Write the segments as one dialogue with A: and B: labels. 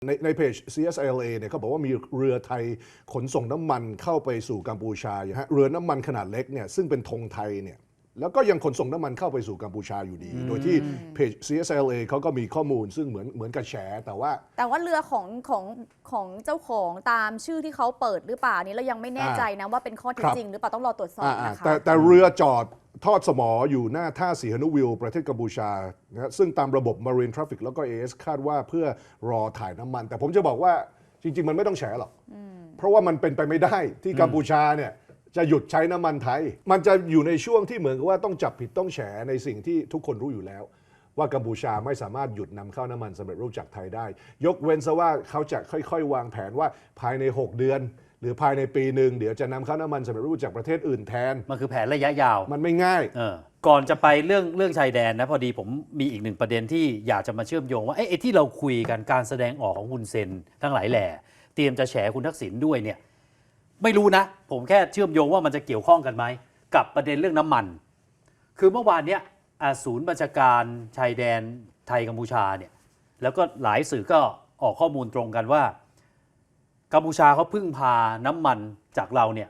A: ในเพจ CSLA เนี่ยเขาบอกว่ามีเรือไทยขนส่งน้ำมันเข้าไปสู่กัมพูชาอยู่ฮะเรือน้ำมันขนาดเล็กเนี่ยซึ่งเป็นธงไทยเนี่ยแล้วก็ยังขนส่งน้ำมันเข้าไปสู่กัมพูชาอยู่ดีโดยที่เพจ CSLA เขาก็มีข้อมูลซึ่งเหมือนกับแฉแต่ว่า
B: เรือของเจ้าของตามชื่อที่เขาเปิดหรือเปล่านี้เรายังไม่แน่ใจนะว่าเป็นข้อเท็จจริงหรือเปล่าต้องรอตรวจสอบนะคะ
A: แต่เรือจอดทอดสมออยู่หน้าท่าสีหนุวิลประเทศกัมพูชานะซึ่งตามระบบ Marine Traffic แล้วก็ AS คาดว่าเพื่อรอถ่ายน้ำมันแต่ผมจะบอกว่าจริงๆมันไม่ต้องแฉหรอกเพราะว่ามันเป็นไปไม่ได้ที่กัมพูชาเนี่ยจะหยุดใช้น้ำมันไทยมันจะอยู่ในช่วงที่เหมือนกับว่าต้องจับผิดต้องแฉในสิ่งที่ทุกคนรู้อยู่แล้วว่ากัมพูชาไม่สามารถหยุดนำเข้าน้ำมันสำเร็จรูปจากไทยได้ยกเว้นซะว่าเขาจะค่อยๆวางแผนว่าภายใน6เดือนหรือภายในปีหนึ่งเดี๋ยวจะนำเข้าน้ำมันสำเร็จรูปจากประเทศอื่นแทน
C: มันคือแผนระยะยาว
A: มันไม่ง่าย
C: ก่อนจะไปเรื่องชายแดนนะพอดีผมมีอีกหนึ่งประเด็นที่อยากจะมาเชื่อมโยงว่าไอ้ที่เราคุยกันการแสดงออกของคุณเซนทั้งหลายแหล่เตรียมจะแฉคุณทักษิณด้วยเนี่ยไม่รู้นะผมแค่เชื่อมโยงว่ามันจะเกี่ยวข้องกันไหมกับประเด็นเรื่องน้ำมันคือเมื่อวานเนี้ยศูนย์บัญชาการชายแดนไทยกัมพูชาเนี่ยแล้วก็หลายสื่อก็ออกข้อมูลตรงกันว่ากัมพูชาเขาพึ่งพาน้ำมันจากเราเนี่ย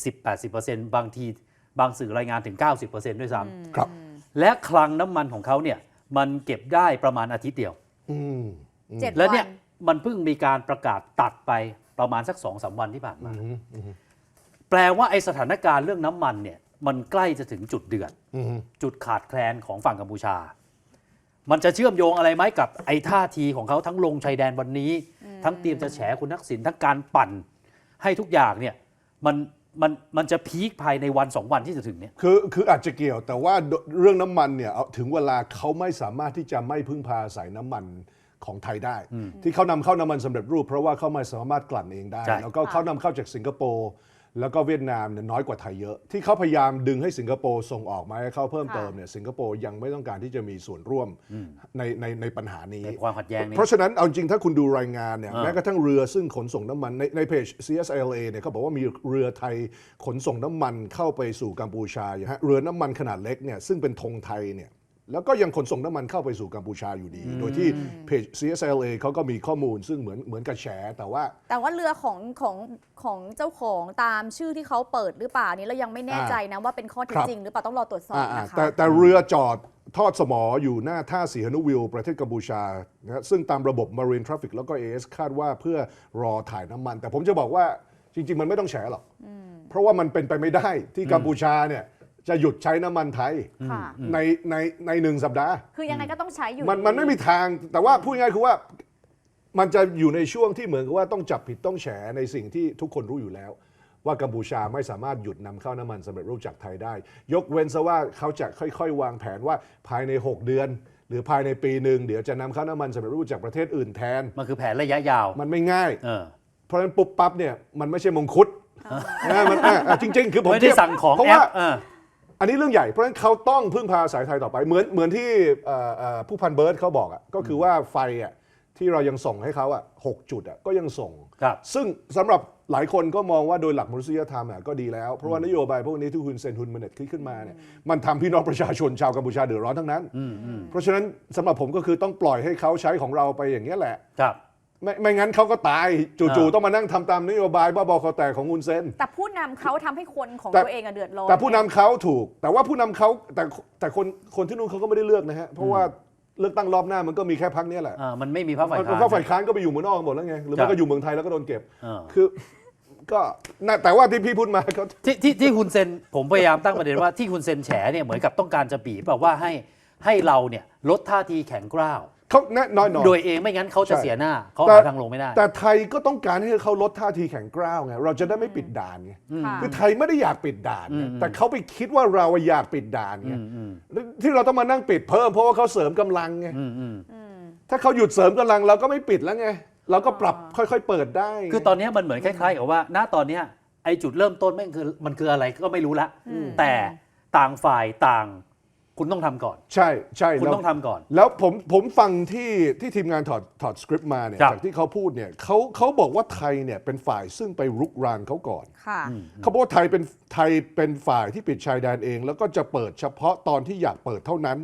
C: 70-80% บางทีบางสื่อรายงานถึง 90% ด้วยซ้
A: ำครับ
C: และคลังน้ำมันของเขาเนี่ยมันเก็บได้ประมาณอาทิตย์เดียวแล้วเนี่ยมันเพิ่งมีการประกาศตัดไปประมาณสัก 2-3 วันที่ผ่านมาแปลว่าไอ้สถานการณ์เรื่องน้ำมันเนี่ยมันใกล้จะถึงจุดเดือดจุดขาดแคลนของฝั่งกัมพูชามันจะเชื่อมโยงอะไรไหมกับไอ้ท่าทีของเขาทั้งลงชายแดนวันนี้ทั้งเตรียมจะแฉคุณทักษิณทั้งการปั่นให้ทุกอย่างเนี่ยมันจะพีคภายในวัน2 วันที่จะถึงเนี่ย
A: คืออาจจะเกี่ยวแต่ว่าเรื่องน้ำมันเนี่ยถึงเวลาเขาไม่สามารถที่จะไม่พึ่งพาสายน้ำมันของไทยได้ที่เขานำเข้าน้ำมันสำเร็จรูปเพราะว่าเขาไม่สามารถกลั่นเองได้แล้วก็เขานำเข้าจากสิงคโปร์แล้วก็เวียดนามเนี่ยน้อยกว่าไทยเยอะที่เขาพยายามดึงให้สิงคโปร์ส่งออกมาให้เขาเพิ่มเติมเนี่ยสิงคโปร์ยังไม่ต้องการที่จะมีส่วนร่วมในปัญหานี้
C: ความขัดแย้งนี้
A: เพราะฉะนั้นเอาจริงถ้าคุณดูรายงานเนี่ยแม้กระทั่งเรือซึ่งขนส่งน้ำมันในเพจ CSLA เนี่ยเขาบอกว่ามีเรือไทยขนส่งน้ำมันเข้าไปสู่กัมพูชาอยู่ฮะเรือน้ำมันขนาดเล็กเนี่ยซึ่งเป็นธงไทยเนี่ยแล้วก็ยังขนส่งน้ำมันเข้าไปสู่กัมพูชาอยู่ดีโดยที่เพจ CSLA เขาก็มีข้อมูลซึ่งเหมือนกับแฉแต่ว่า
B: เรือของเจ้าของตามชื่อที่เขาเปิดหรือเปล่านี้เรายังไม่แน่ใจนะว่าเป็นข้อเท็จจริงหรือเปล่าต้องรอตรวจสอบนะคะ
A: แต่เรือจอดทอดสมออยู่หน้าท่าสีหนุวิลประเทศกัมพูชานะซึ่งตามระบบ Marine Traffic แล้วก็ AS คาดว่าเพื่อรอถ่ายน้ำมันแต่ผมจะบอกว่าจริงๆมันไม่ต้องแฉหรอกเพราะว่ามันเป็นไปไม่ได้ที่กัมพูชาเนี่ยจะหยุดใช้น้ำมันไทยใน1 สัปดาห์
B: คือยังไงก็ต้องใช้อยู่
A: มันไม่มีทางแต่ว่าพูดง่ายๆคือว่ามันจะอยู่ในช่วงที่เหมือนกับว่าต้องจับผิดต้องแฉในสิ่งที่ทุกคนรู้อยู่แล้วว่ากัมพูชาไม่สามารถหยุดนำเข้าน้ำมันสำเร็จรูปจากไทยได้ยกเว้นซะว่าเขาจะค่อยๆวางแผนว่าภายใน6เดือนหรือภายในปีหนึ่งเดี๋ยวจะนำเข้าน้ำมันสำเร็จรูปจากประเทศอื่นแทน
C: มันคือแผนระยะยาว
A: มันไม่ง่ายเพราะฉะนั้นปุ๊บปั๊บเนี่ยมันไม่ใช่มงคุดมันจริงๆคือผม
C: ไม่ได้สั่งของแอป
A: อันนี้เรื่องใหญ่เพราะฉะนั้นเขาต้องพึ่งพาสายไทยต่อไปเหมือนที่ผู้พันเบิร์ดเขาบอกก็คือว่าไฟที่เรายังส่งให้เขา6 จุดก็ยังส่งซึ่งสำหรับหลายคนก็มองว่าโดยหลักมนุษยธรรมก็ดีแล้วเพราะว่านโยบายพวกนี้ที่คุณเซนทุนมันเน็ตขึ้นมาเนี่ยมันทำพี่น้องประชาชนชาวกัมพูชาเดือดร้อนทั้งนั้นเพราะฉะนั้นสำหรับผมก็คือต้องปล่อยให้เขาใช้ของเราไปอย่างนี้แหละไม่งั้นเขาก็ตายจู่ๆต้องมานั่งทำตามนโยบายบ้าบอคอแตกของคุณเซน
B: แต่ผู้นำเขาทำให้คนของตัวเองเดือดร้อน
A: แต่ผู้นำเขาถูกแต่ว่าผู้นำเขาแต่คนที่นู่นเขาก็ไม่ได้เลือกนะฮะเพราะว่าเลือกตั้งรอบหน้ามันก็มีแค่พรรคนี้แหละ
C: มันไม่มีพรรคฝ่ายค้าน
A: พรรคฝ่ายค้านก็ไปอยู่เมืองนอกหมดแล้วไงหรือไม่ก็อยู่เมืองไทยแล้วก็โดนเก็บคือก็แต่ว่าที่พี่พูดมาก็
C: ที่คุณเซนผมพยายามตั้งประเด็นว่าที่คุณเซนแฉเนี่ยเหมือนกับต้องการจะบีบแบบว่าให้เราเนี่ยลดท่าทีแข็งกร้าว
A: เขาแน่นอน
C: โดยเองไม่งั้นเขาจะเสียหน้าเขาหาทางลงไม่ได้
A: แต่ไทยก็ต้องการให้เขาลดท่าทีแข็งกร้าวไงเราจะได้ไม่ปิดด่านไงคือไทยไม่ได้อยากปิดด่านแต่เขาไปคิดว่าเราอยากปิดด่านไงที่เราต้องมานั่งปิดเพิ่มเพราะว่าเขาเสริมกำลังไงถ้าเขาหยุดเสริมกำลังเราก็ไม่ปิดแล้วไงเราก็ปรับค่อยๆเปิดได้
C: คือตอนนี้มันเหมือนคล้ายๆกับว่าณตอนนี้ไอ้จุดเริ่มต้นมันคืออะไรก็ไม่รู้ละแต่ต่างฝ่ายต่างคุณต้องทำก่อน
A: ใช่
C: คุณต้องทำก่อน
A: แล้วผมฟังที่ทีมงานถอดสคริปต์มาเนี่ยจากที่เขาพูดเนี่ยเขาบอกว่าไทยเนี่ยเป็นฝ่ายซึ่งไปรุกรานเขาก่อนเขาบอกว่าไทยเป็นฝ่ายที่ปิดชายแดนเองแล้วก็จะเปิดเฉพาะตอนที่อยากเปิดเท่านั้น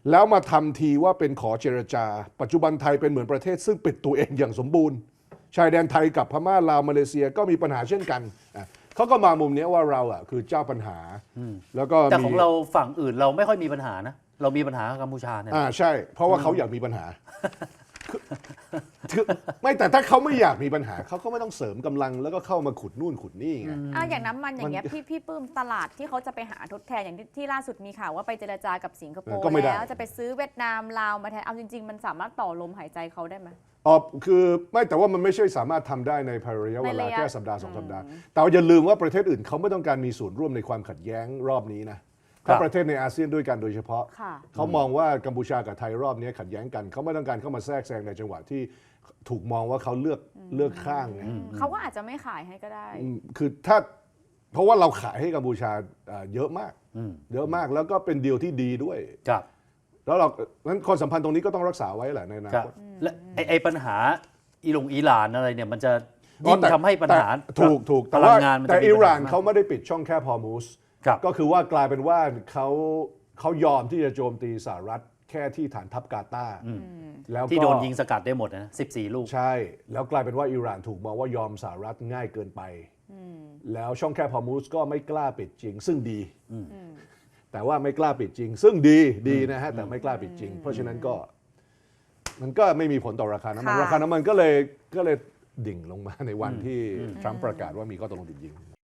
A: แล้วมาทำทีว่าเป็นขอเจรจา ปัจจุบันไทยเป็นเหมือนประเทศซึ่งปิดตัวเองอย่างสมบูรณ์ชายแดนไทยกับพม่าลาวมาเลเซียก็มีปัญหาเช่นกันเขาก็มามุมนี้ว่าเราคือเจ้าปัญหาแล้วก็
C: แต่ของเราฝั่งอื่นเราไม่ค่อยมีปัญหานะเรามีปัญหากับกัมพูชาเนี่ย
A: ใช่ เพราะว่าเขาอยากมีปัญหาคือไม่แต่ถ้าเขาไม่อยากมีปัญหาเขาก็ไม่ต้องเสริมกำลังแล้วก็เข้ามาขุดนู่นขุดนี่ไง
B: อย่างน้ำมันอย่างเงี้ยพี่ปื้มตลาดที่เขาจะไปหาทดแทนอย่างที่ล่าสุดมีข่าวว่าไปเจรจากับสิงคโปร์
A: ก็ไม่ได้
B: แล้วจะไปซื้อเวียดนามลาวมาแทนเอาจริง ๆ มันสามารถต่อลมหายใจเขาได้ไหม
A: คือไม่แต่ว่ามันไม่ใช่สามารถทำได้ในภายระยะเว
B: ใน
A: ลา
B: ระยะ
A: แค่สัปดาห์2 สัปดาห์ แต่ว่าอย่าลืมว่าประเทศอื่นเขาไม่ต้องการมีส่วนร่วมในความขัดแย้งรอบนี้นะถ้าประเทศในอาเซียนด้วยกันโดยเฉพาะ
B: ค่ะ
A: เขามองว่ากัมพูชากับไทยรอบนี้ขัดแย้งกันเขาไม่ต้องการเข้ามาแทรกแซงในจังหวะที่ถูกมองว่าเขาเลือกข้างไง
B: เขาก็อาจจะไม่ขายให้ก็ได้
A: คือถ้าเพราะว่าเราขายให้กัมพูชาเยอะมากเยอะมากแล้วก็เป็นดีลที่ดีด้วย
C: ครับ
A: แล้วเรานั้นความสัมพันธ์ตรงนี้ก็ต้องรักษาไว้แหละในอนา
C: ครับ
A: คต
C: และไอ้ปัญหาอิหร่านอะไรเนี่ยมันจะยิ่งทำให้ปัญหา
A: ถูก
C: พ
A: แต่
C: ลั
A: ว่าง
C: งานมันจะ
A: แต่
C: มี
A: อิหร่าน
C: ปัญห
A: เขาไม่ได้ปิดช่องแคบฮอร์มูส
C: ครับ
A: ก็คือว่ากลายเป็นว่าเขายอมที่จะโจมตีสหรัฐแค่ที่ฐานทัพกาตาร์แล้วก็
C: ที่โดนยิงสกัดได้หมดนะ14 ลูก
A: ใช่ แล้วกลายเป็นว่าอิหร่านถูกมองว่ายอมสหรัฐง่ายเกินไปแล้วช่องแคบฮอร์มูสก็ไม่กล้าปิดจริง ซึ่งดีแต่ว่าไม่กล้าปิดจริง ซึ่งดีนะฮะแต่ไม่กล้าปิดจริง เพราะฉะนั้นก็มันก็ไม่มีผลต่อราคาน้ำมัน
B: ค่ะ
A: ราคาน้ำมันก็เลยดิ่งลงมาในวันที่ทรัมป์ประกาศว่ามีข้อตกลงหยุดยิง